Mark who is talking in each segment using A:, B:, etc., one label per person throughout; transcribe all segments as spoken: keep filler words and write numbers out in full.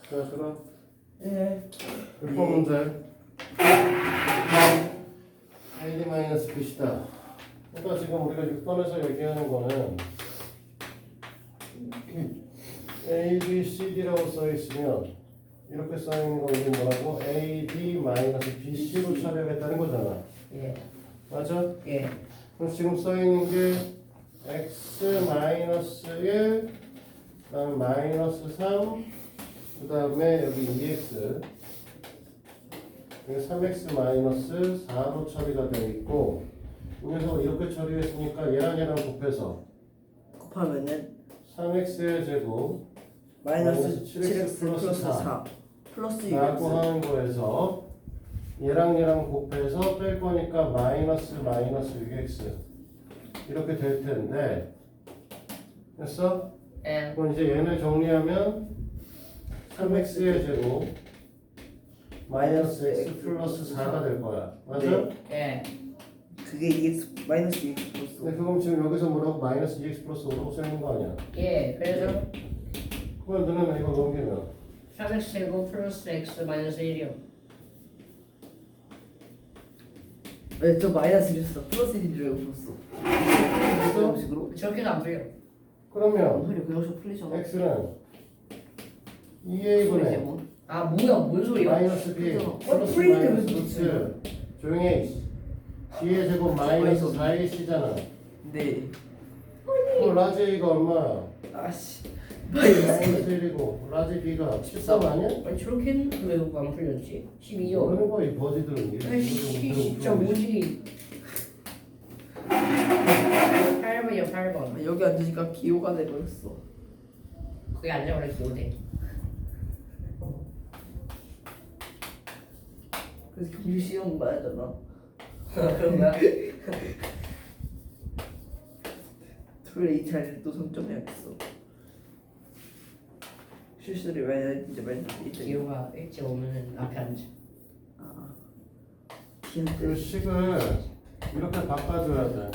A: 자, 그럼
B: 네.
A: 육 번 문제. 에이 마이너스 비다. 그러니까 지금 우리가 육 번에서 얘기하는 거는 A, B, C, D라고 써 있으면 이렇게 써 있는 거 우리 뭐라고? A, D 마이너스 B, C로 처리하겠다는 거잖아.
B: 예.
A: 맞아?
B: 예.
A: 그럼 지금 써 있는 게 x 마이너스 일, 그다음에 마이너스 삼, 그다음에 여기 이 엑스, 여기 삼 엑스 마이너스 사로 처리가 되어 있고, 이 녀석을 이렇게 처리했으니까 얘랑 얘랑 곱해서
B: 곱하면은
A: 삼 엑스의 제곱
B: 마이너스
A: 칠
B: 칠
A: 엑스
B: 엑스
A: 플러스
B: 플러스
A: 사.
B: 사 플러스 육
A: 라고
B: 엑스.
A: 하는 거에서 얘랑 얘랑 곱해서 뺄 거니까 마이너스 마이너스 육 엑스 이렇게 될 텐데 됐어?
C: 예.
A: 그럼 이제 얘를 정리하면 삼 엑스의 제곱 마이너스 x 플러스 사가 될 거야. 맞아?
C: 예.
B: 그게 이 엑스 마이너스 이 엑스 플러스
A: 근데 그럼 지금 여기서 뭐라고 마이너스 이 엑스 플러스 오라고 써있는 거 아니야?
C: 예. 그래서
A: 그걸 너네는 이거 넘기면
C: 삼 엑스 제곱 플러스 x 마이너스 일이요.
B: 네, 저 마이너스 일이었어. 플러스 일인 줄 알고 풀었어. 그런 식으로?
C: 저렇게도 안 풀려.
A: 그러면
B: 소리 그런 식으로 풀리잖아.
A: x는 이 에이분의
B: 뭐?
C: 아 뭐야? 뭔 소리야?
A: 마이너스 b
B: 그죠.
A: 플러스
B: 풀릴 때
A: 마이너스
B: 왜
A: 루트 조용히 해. b의 제곱 마이너스 사 에이씨잖아.
B: 네.
A: 그럼 라지 A가 얼마야?
B: 아씨.
A: 마이너스 일이고 라지 B가 십삼 아니야?
C: 아니 저렇게 했는데 왜 안 풀렸지? 십이요.
A: 모르는 거야 이 버디들은. 이게
C: 아이씨 진짜
A: 뭐
C: 뭐지? 팔 번이요 팔 번.
B: 여기 앉으니까 기호가 돼버렸어.
C: 그게 앉아버려 기호대.
B: 그래서 경주 시험 봐야 되나?
C: 그런 거야?
B: 토요일에 이 차례를 또 성점해야겠어. 실수를 왜 이제 말도 이제
C: 기호가 일찍 오면은 앞에 앉아.
B: 아
A: 그
B: 기한테
A: 식을 이렇게 바꿔줘야 돼.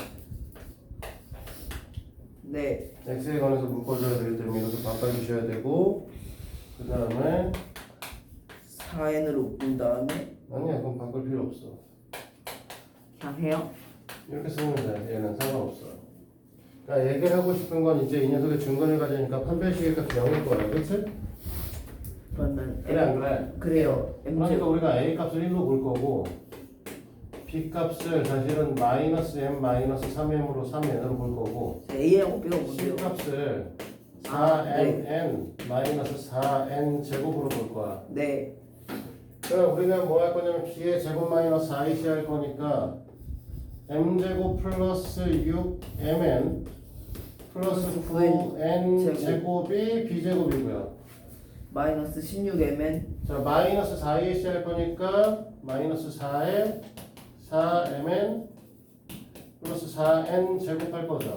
B: 네
A: x에 관해서 묶어줘야 되기 때문에 이렇게 바꿔주셔야 되고 그 다음에
B: 사 엔으로 본 다음에
A: 아니야 그럼 바꿀 필요 없어.
B: 그냥 해요.
A: 이렇게 쓰면 돼. 얘는 상관없어. 그러니까 얘기를 하고 싶은 건 이제 이 녀석의 중간을 가지니까 판별식의 값이 영일 거야. 그치?
B: 그러면
A: 그래 안 그래?
B: 그래요. 엠
A: 그러니까
B: 제곱
A: 우리가 a 값을 일로 볼 거고 b 값을 사실은 마이너스 m 마이너스 삼 엠으로 삼 엔으로 볼 거고
B: A하고 B가
A: c
B: 뭔데요?
A: 값을
B: 아,
A: 사 엔 엔 마이너스 사 엔 제곱으로 볼 거야.
B: 네
A: 그럼 우리는 뭐 할 거냐면 b의 제곱 마이너스 사 에이씨 할 거니까 m 제곱 플러스 육 엠엔 플러스 구 엔
B: 제곱.
A: 제곱이 b 제곱이고요.
B: 마이너스 십육 엠엔
A: 자 마이너스 사 에이씨 할 거니까 마이너스 사에 사 엠엔 플러스 사 엔 제곱할 거죠.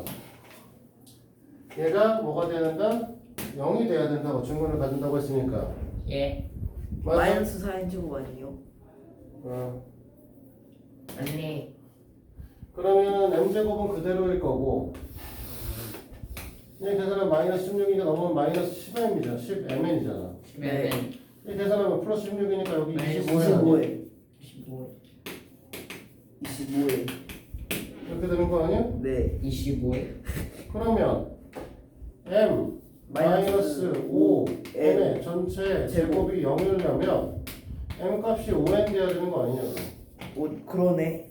A: 얘가 뭐가 돼야 된다? 영이 돼야 된다고 중간을 가진다고 했으니까.
C: 예.
A: 맞아?
B: 마이너스 사 엔 제곱 아니에요?
A: 어.
C: 아니
A: 그러면 m 제곱은 그대로일 거고 이 계산하면 마이너스 십육이니까 넘으면 마이너스 십 엠이잖아. 십 엠엔이잖아.
C: 십에는
A: 이 계산하면 플러스 십육이니까 여기
C: 마이너스
A: 이십오 엔
B: 이십오
A: 아니야?
B: 에 이십오 에
A: 이렇게 되는 거 아니야?
B: 네
C: 이십오에
A: 그러면 m 마이너스 오 n의 전체 제곱이 영이려면 m 값이 오 엔 돼야 되는 거 아니냐?
B: 오, 그러네.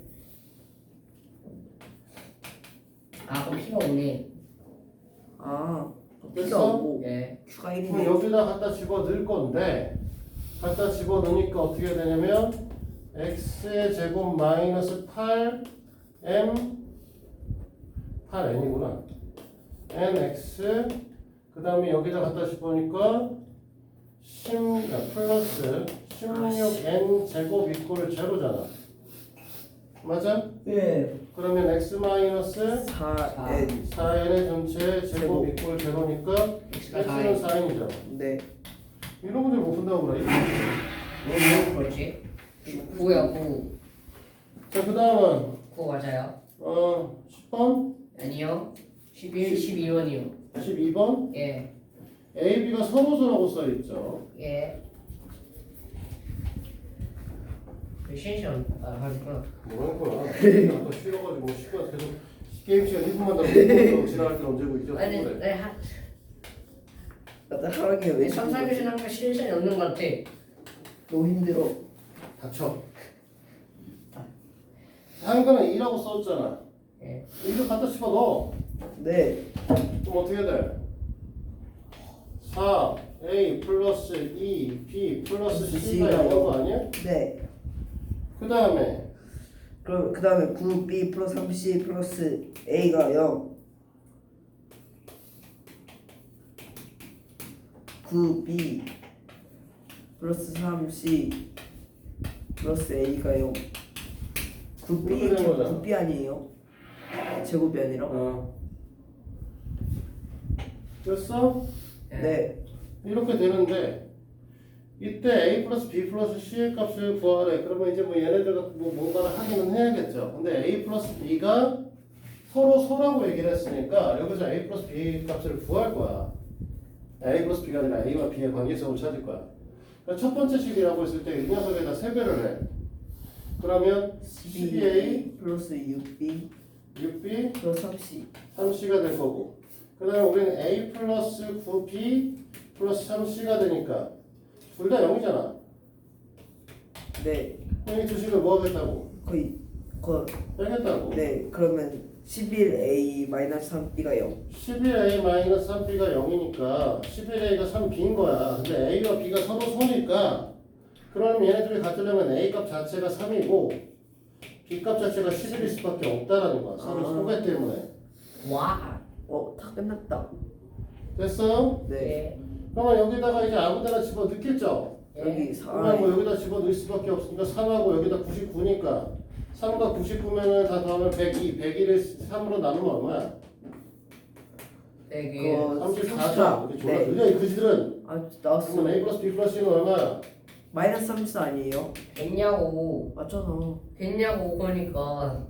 C: 아 그럼 P가 오네.
B: 아 B가
A: 됐어?
B: 오고
C: 예.
B: Q가
A: 그럼
B: 일이네.
A: 여기다 갖다 집어 넣을 건데 갖다 집어 넣으니까 어떻게 되냐면 x의 제곱 마이너스 팔 엠 팔 엔이구나. nx 그 다음에 여기다 갖다 집어니까 십 아, 플러스 십육 엔 제곱 이꼴 제로잖아. 맞아?
B: 네.
A: 그러면 x 마이너스
B: 사 엔
A: 사 엔의 전체 제곱
B: 제곱.
A: 이꼴 제로니까
C: X가 사
A: x는
C: 엔.
A: 사 엔이죠.
B: 네.
A: 이런 문제 못 푼다고 그래.
C: 왜 그렇지? 구야 구.
A: 자, 그 다음은
C: 구 맞아요.
A: 어, 십 번,
C: 아니요. 십일, 십이 번이요.
A: 십이 번.
C: 예.
A: A, B가 서로서라고 써 있죠.
C: 예. 신시험 아 하구나.
A: 뭐라는 거야? 아까 쉬어가지고 시간 계속 게임 시간 일 분만 더 먹고 지나갈 때 언제고 이제
C: 아니
A: 그래.
C: 네, 한
B: 나 하루에 왜
C: 삼, 사 교시 한거 신시험이 없는 것 같아.
B: 너무 힘들어.
A: 닥쳐. 한 거는 이라고 써있잖아.
C: 예.
A: 이를 갖다 집어넣어.
B: 네.
A: 그럼 어떻게 돼? 사 A 플러스 이 B 플러스 C가 영인 거 아니야?
B: 네.
A: 그 다음에
B: 그럼 그 다음에 구 B 플러스 삼 C 플러스 A가 영. 구 B 플러스 삼 C 플러스 A가 영. 구 B
A: 이렇게 된 거잖아.
B: 구 B 아니에요? 제곱이 아니라?
A: 어. 됐어?
B: 네.
A: 이렇게 되는데 이때 A 플러스 B 플러스 C의 값을 구하래. 그러면 이제 뭐 얘네들과 뭐 뭔가를 하기는 해야겠죠. 근데 A 플러스 B가 서로 소라고 얘기를 했으니까 여기서 A 플러스 B 값을 구할 거야. A 플러스 B가 아니라 A와 B의 관계성을 찾을 거야. 그러니까 첫 번째 식이라고 했을 때 이 녀석에다 세배를 해. 그러면 십이 A
B: 플러스 육 B
A: 육 B
B: 플러스 삼 C.
A: 삼 C가 될 거고 그 다음에 우리는 A 플러스 구 B 플러스 삼 C가 되니까 둘 다 영이잖아.
B: 네.
A: 그럼 이 두 식을 뭐 하겠다고?
B: 거의 거
A: 빼겠다고.
B: 네. 그러면 십일 A 마이너스 삼 B가 영.
A: 십일 A 마이너스 삼 B가 영이니까 십일 A가 삼 B인 거야. 근데 A와 B가 서로 소니까 그럼 얘네들이 같으려면 A 값 자체가 삼이고 B 값 자체가 십일일 수밖에 없다라는 거야. 서로
B: 아.
A: 소개 때문에.
C: 와.
B: 어, 다 끝났다.
A: 됐어요?
B: 네.
C: 네.
A: 그러면 여기다가 이제 아무데나 집어 넣겠죠?
B: 여기 사.
A: 그러면 뭐 여기다 집어 넣을 수밖에 없으니까 삼하고 여기다 구십구니까 삼과 구십구면은 다 더하면 백이. 백이를 삼으로 나누면 얼마야?
C: 되게
B: 그거
A: 삼십사죠. 이렇게 졸라
B: 네.
A: 느려 이 그지들은.
B: 아, 나왔어.
A: 그러면 A 플러스 B 플러스 C는 얼마야?
B: 마이너스 삼십사 아니에요?
C: 됐냐고
B: 맞잖아.
C: 됐냐고 그러니까.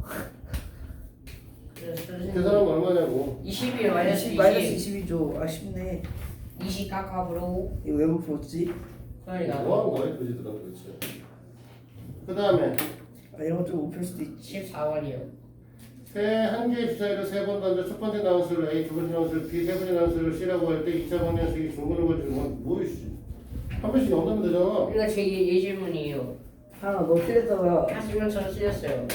A: 계산하면 얼마냐고.
C: 이십일 마이너스
B: 이십 마이너스
C: 이십
B: 이십이죠. 아쉽네.
C: 이십 깎아보로
B: 이거 왜 못 풀었지?
C: 그러니까
A: 뭐 하는 거야 이 그지들은 도대체. 그 다음에
B: 아, 이런 거 좀 못 풀 수도 있지.
C: 십사 원이요.
A: 한 개의 주사위를 세 번 던져 첫 번째 나온 수를 A, 두 번째 나온 수를 B, 세 번째 나온 수를 C라고 할 때 이 차 방정식이 중근을 걸주면 뭐이씨. 한 번씩 영하면 되잖아.
C: 이거 제 예- 예질문이에요.
B: 하나 너 틀렸다가
C: 하시면 저는 틀렸어요.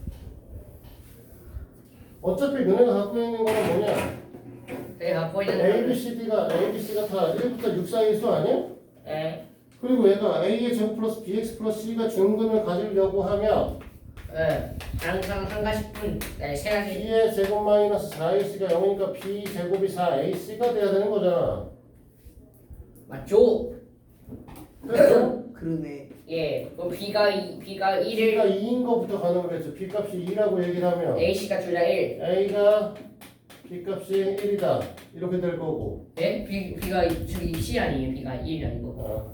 A: 어차피 너네가 갖고 있는 거는 뭐냐?
C: 내가 갖고 있는
A: A, B,
C: 거는
A: C, D가 A, B, C가 다 일부터 육 사이의 수 아니야?
C: 예.
A: 그리고 얘가 A의 제곱 플러스 Bx 플러스 C가 중근을 가지려고 하면
C: 예. 항상 한 가지 뿐. 네, 세 가지.
A: B의 제곱 마이너스 사 에이 씨가 영이니까 B 제곱이 사 에이 씨가 돼야 되는 거잖아.
C: 맞죠?
A: 그래서
B: 그러네.
C: 예. 그럼 B가 이, B가 일을
A: B가 이인 거부터 가능을 했죠. B 값이 이라고 얘기를 하면
C: A씨가 둘 다 일.
A: A가 B 값이 일이다 이렇게 될 거고.
C: 예? B, B가 저기 C 아니에요. B가 일이 아니고.
A: 어.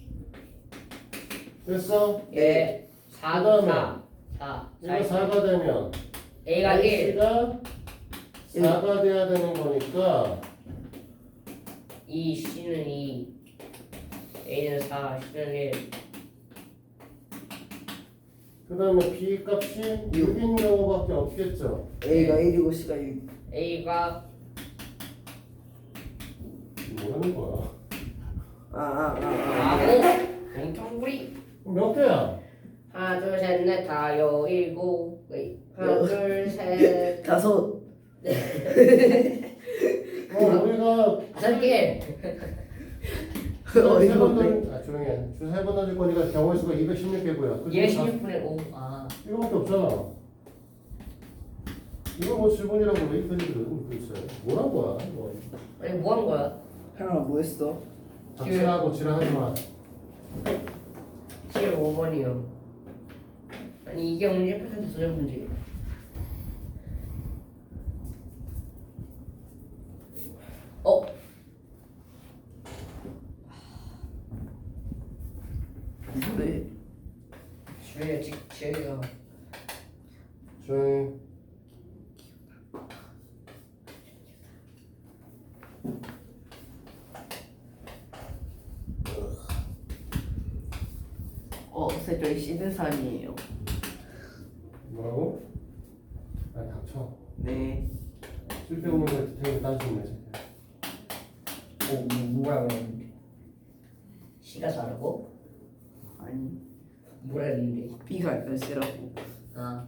A: 됐어?
C: 예. 사,
A: 그다음에
C: 사. 사.
A: 이거 사가 되면
C: A가 일.
A: A가 사가 돼야 되는 거니까
C: 이 C는 이. A는 사. C는 일.
A: 그 다음에 B 값이 육인 경우밖에 없겠죠.
B: A가 일이고 C가 육.
C: A가
A: 뭐 하는 거야?
B: 아, 아, 아, 아.
C: 아고 공통구리.
A: 몇 개야?
C: 하나 둘 셋 넷 다 여 일곱. 웨이. 하나 둘 셋.
B: 다섯.
A: 어, 우리가
C: 다섯 개.
B: 어이가
A: 세번
B: 없네.
A: 던, 아 조용히 해. 세번 던질 거니까 경우의 수가 이백십육 개고요.
C: 이백십육 분의 오. 아.
A: 이거밖에 없잖아. 이거 뭐 질문이라고 왜 이편이거든 글쎄. 뭐란 거야? 뭐.
C: 아니 뭐 한 거야?
B: 하나 뭐 했어?
A: 닥치라고 지랄하지 마.
C: 십오 번이요. 아니 이게 오늘 일 퍼센트 도전 문제. 어?
B: 네.
C: 주연이가 지- 지연이가
A: 조용히.
B: 어, 쌤 저희 시드산이에요.
A: 뭐라고? 아 닥쳐.
B: 네.
A: 쓸데없는 거 디테일 따지면 돼.
C: 뭐, 뭐 뭐라고 했는데? C가 다르고
B: 아니
C: 뭐라 했는데?
B: B가 약간 C라고.
C: 아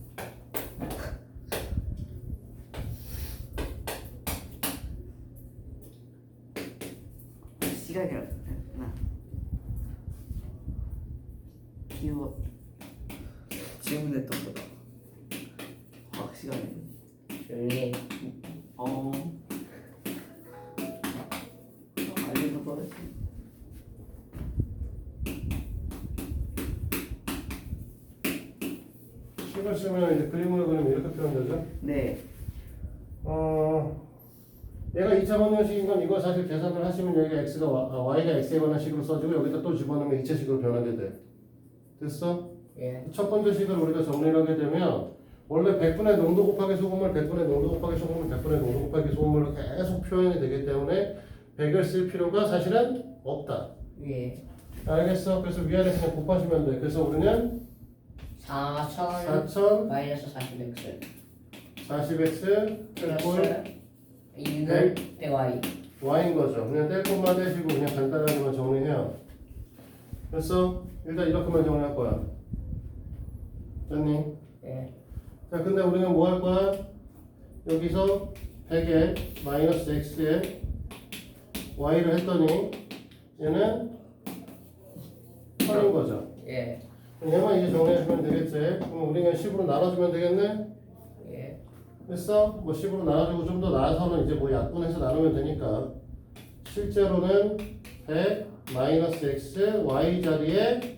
B: C가 아니라 나. B와 질문했던 거다. 과학 시간에.
C: 조용히 해.
B: 어. 알리는 거지.
A: 식을 쓰면 이제 그림으로 그리면 이렇게 표현되죠.
B: 네.
A: 어, 얘가 이 차 방정식인 건 이거 사실 계산을 하시면 여기가 x가 와, 아, y가 x에 관한 식으로 써지고 여기다 또 집어넣으면 이 차식으로 변하게 돼. 됐어?
C: 예.
A: 첫 번째 식을 우리가 정리를 하게 되면 원래 백 분의 농도 곱하기 소금물, 백 분의 농도 곱하기 소금물, 백 분의 농도 곱하기 소금물로 계속 표현이 되기 때문에 백을 쓸 필요가 사실은 없다.
C: 예.
A: 알겠어? 그래서 위아래 그냥 곱하시면 돼. 그래서 우리는
C: 사천
A: 사천
C: 마이너스 사십 엑스
A: 사십 엑스
C: 플러스 이는 백 와이.
A: y인 거죠. 그냥 뗄 것만 떼시고 그냥 간단하게만 정리해요. 그래서 일단 이렇게만 정리할 거야. 됐니?
C: 예.
A: 자, 근데 우리는 뭐 할 거야? 여기서 백에 마이너스 x에 y를 했더니 얘는 천인 거죠.
C: 예.
A: 그럼 얘만 이제 정리해주면 되겠지? 그럼 우리 그냥 십으로 나눠주면 되겠네?
C: 예.
A: 됐어? 뭐 십으로 나눠주고 좀 더 나아서는 이제 뭐 약분해서 나누면 되니까 실제로는 백 마이너스 x y 자리에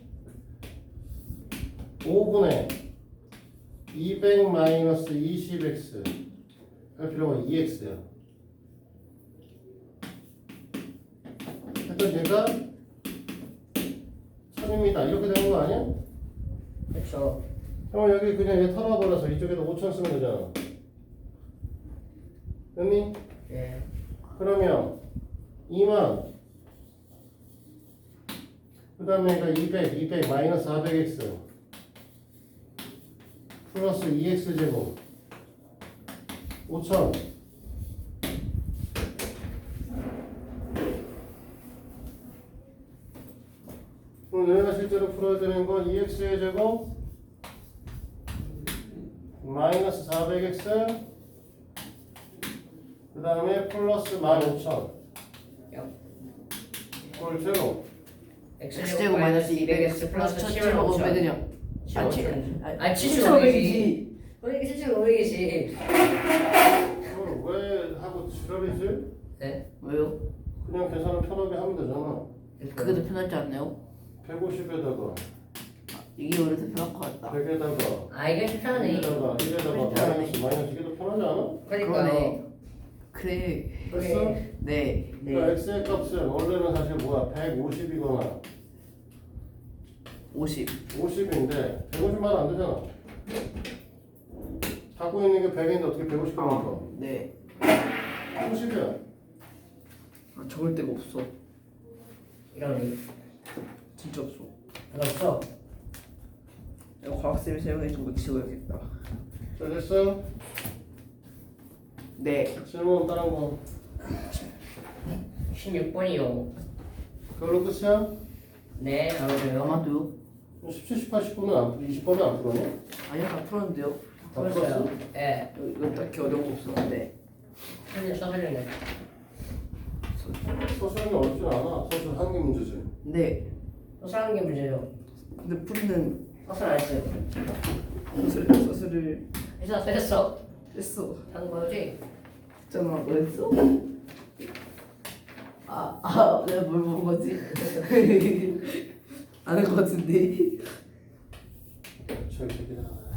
A: 오분의 이백 마이너스 이십 엑스 할 필요가 이 엑스야. 일단 얘가 천입니다. 이렇게 되는 거 아니야?
C: 그렇죠.
A: 그럼 여기 그냥 얘 털어버려서 이쪽에다 오천 쓰면 되잖아. 됐니?
C: 예.
A: 그러면 이만 그 다음에 그러니까 이백, 이백 마이너스 사백 엑스 플러스 이 엑스 제곱 오천 그럼 얘네가 실제로 풀어야 되는 건 이 엑스의 제곱 마이너스 사백 엑스 그 다음에 플러스 만 오천 그걸 제로
B: X제곱 마이너스 이백 엑스 플러스 천칠백 오백은요? 아, 치-
C: 아,
B: 칠천오백이지.
C: 그러니까 칠천오백이지.
A: 그걸 왜 하고 지랄이지?
C: 네?
B: 왜요?
A: 그냥 계산을 편하게 하면 되잖아.
B: 그게 더 편하지 않나요?
A: 백오십에다가
B: 이게 오히려 더 편할 것 같다.
A: 백에다가
C: 아 이게 편하네.
A: 이에다가 이에다가 마이너스 마이너스 이게 더 편하지 않아?
C: 그러니까 네.
B: 그래.
A: 됐어?
B: 네.
A: 그러니까 x의 값은 원래는 사실 뭐야 백오십이거나
B: 오십.
A: 오십인데 백오십만 안 되잖아. 갖고 있는 게 백인데 어떻게 백오십 만들어?
B: 네.
A: 오십이야.
B: 아, 적을 데가 없어.
C: 이런
B: 진짜 없어.
C: 없어.
B: 이거 과학쌤이 사용해준 거 지워야겠다.
A: 자 됐어?
B: 네.
A: 질문 다른 거
C: 십육 번이요.
A: 그걸로 끝이야?
C: 네, 알아줘요.
B: 아마도요?
A: 십칠, 십팔, 십구는 안, 이십 번은 안 풀었냐?
B: 아니요, 다 풀었는데요.
A: 다 풀었어?
C: 예.
B: 이거 딱히 어려운 거 없었는데.
C: 선생님 써주려네.
A: 서술하기 어렵진 않아. 서술 한 개 문제지.
B: 네.
C: 서술하는 게 문제죠.
B: 근데 풀이는
C: 서술 안 했어요.
B: 서술, 서술을
C: 했어, 했어.
B: 했어.
C: 한 거지?
B: 했잖아. 뭐 했어? 아, 아, 내가 뭘 본 거지? 아는 거 같은데.
A: 저기 새끼다.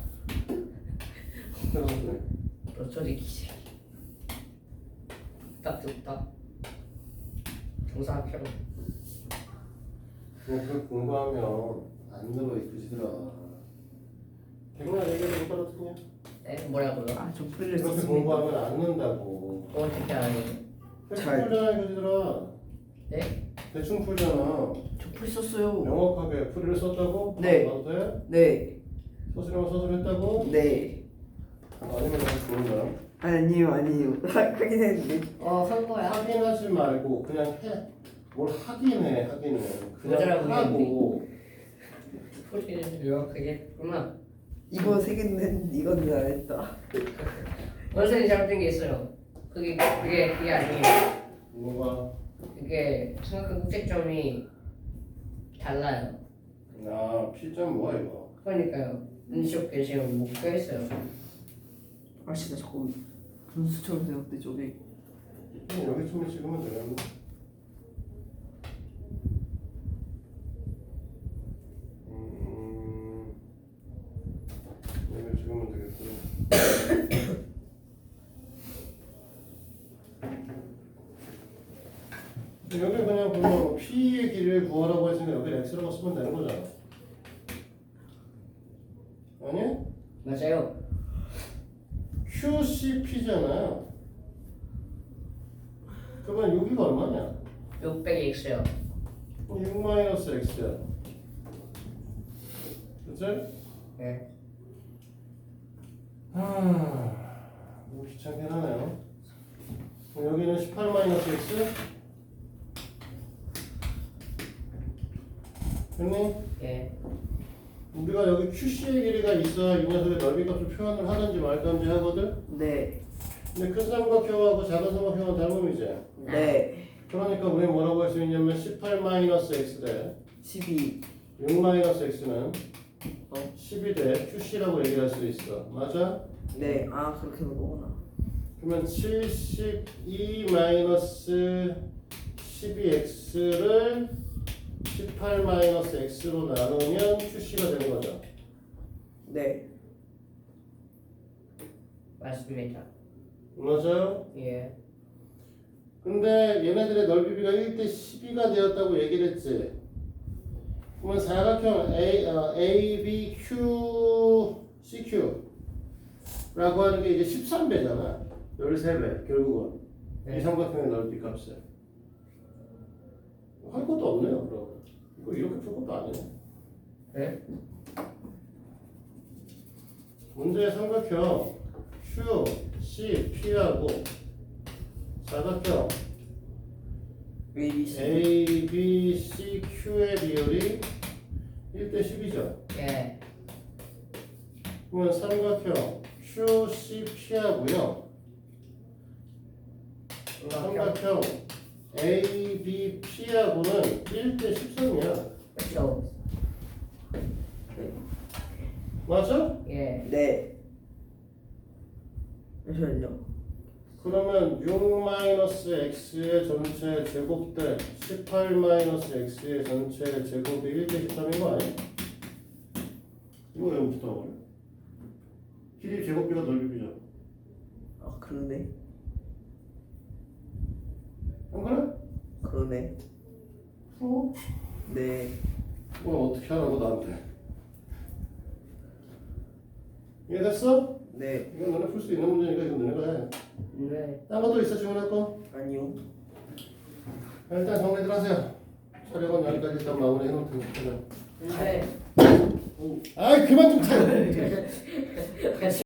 A: 그러네.
C: 너 저리 기지. 딱 좋다. 정상 필요.
A: 그냥 그걸 공부하면 안 늘어 이 그지들아. 백날 얘기해도 똑같았냐?
C: 네, 뭐라고요?
B: 아, 저 풀이를
A: 그렇게
B: 썼습니다.
A: 공부하면 안 는다고.
C: 어떻게 하니?
A: 대충
B: 잘.
A: 풀잖아 이 그지들아.
C: 네?
A: 대충 풀잖아.
B: 저 풀 썼어요.
A: 명확하게 풀이를 썼다고?
B: 네.
A: 봐도 돼?
B: 네.
A: 서술형 서술 했다고?
B: 네.
A: 아니면 다시 좋은다.
B: 아니요 아니요. 하긴 했는데.
C: 어한 거야.
A: 확인하지 말고 그냥 해. 뭘 하긴 해, 하기는. 그냥
C: 뭐더라고,
A: 하고.
C: 풀이를 명확하게 했구나.
B: 이거 세 개는 이거는 안 했다.
C: 원선이 잘못된 게 있어요. 그게 그게 그게 아니에요.
A: 뭐가?
C: 그게 생각한 국제점이 달라요.
A: 아, P점 뭐야 이거?
C: 그러니까요. 눈시업 계시면 못 껴있어요.
B: 아씨 나 자꾸 분수처럼 생각돼 저게.
A: 그냥 여기쯤에 찍으면 되겠네. 음, 여기 찍으면 되겠구나. 여기 그냥 보면 P의 길이를 구하라고 했으니까 여기 X라고 쓰면 되는 거잖아. 아니?
C: 맞아요.
A: 큐씨피잖아요. 그러면 여기가 얼마냐?
C: 육백 X요.
A: 육 마이너스 X야. 그치?
C: 네.
A: 하... 뭐 귀찮긴 하네요. 그럼 여기는 십팔 마이너스 X? 됐니?
C: 예.
A: 우리가 여기 큐씨의 길이가 있어야 이 녀석의 넓이값을 표현을 하든지 말든지 하거든?
B: 네.
A: 근데 큰 삼각형하고 작은 삼각형은 닮음이지?
B: 네.
A: 그러니까 우리 뭐라고 할 수 있냐면 십팔 마이너스 X 대
B: 십이.
A: 육 마이너스 X는
B: 어?
A: 십이 대 큐씨라고 얘기할 수 있어. 맞아?
B: 네. 아 그렇게 하는 거구나.
A: 그러면 칠십이 마이너스 십이 X를 십팔 마이너스 X로 나누면 큐씨가 되는 거죠.
B: 네.
C: 맞습니다.
A: 맞아요?
C: 예.
A: 근데 얘네들의 넓이비가 일 대 십이가 되었다고 얘기를 했지. 그러면 사각형 A, 어, A, B, Q, C, Q라고 하는 게 이제 십삼 배잖아. 십삼 배 결국은.
C: 네.
A: 이 삼각형의 넓이 값에. 할 것도 없네요. 그럼. 이거 이렇게 풀 것도 아니네.
C: 네?
A: 문제의 삼각형 Q, C, P하고 사각형
B: A, B, C.
A: A, B, C, Q의 비율이 일 대 십이죠.
C: 예.
A: 그러면 삼각형 Q, C, P하고요. 삼각형 A, B, P하고는 일 대 십삼이야.
C: 그렇죠.
A: 맞아?
C: 예.
B: 네. 잠시만요.
A: 그러면 육 마이너스 X의 전체 제곱 대 십팔 마이너스 X의 전체 제곱이 일 대 십삼인 거 아니야? 이거 왜 붙어 버려? 길이 제곱비가 넓이비죠.
B: 아 그러네.
A: 안 그래?
B: 그러네.
A: 어?
B: 네.
A: 뭐 어떻게 하라고 나한테? 이해됐어?
B: 네.
A: 이건 너네 풀 수 있는 문제니까 이건 너네가 해.
C: 네.
A: 딴 것도 있어 지원할 거?
B: 아니요.
A: 일단 정리들 하세요. 촬영은 여기까지 일단 마무리 해놓을 테니까.
C: 네.
A: 아이 그만 좀 타.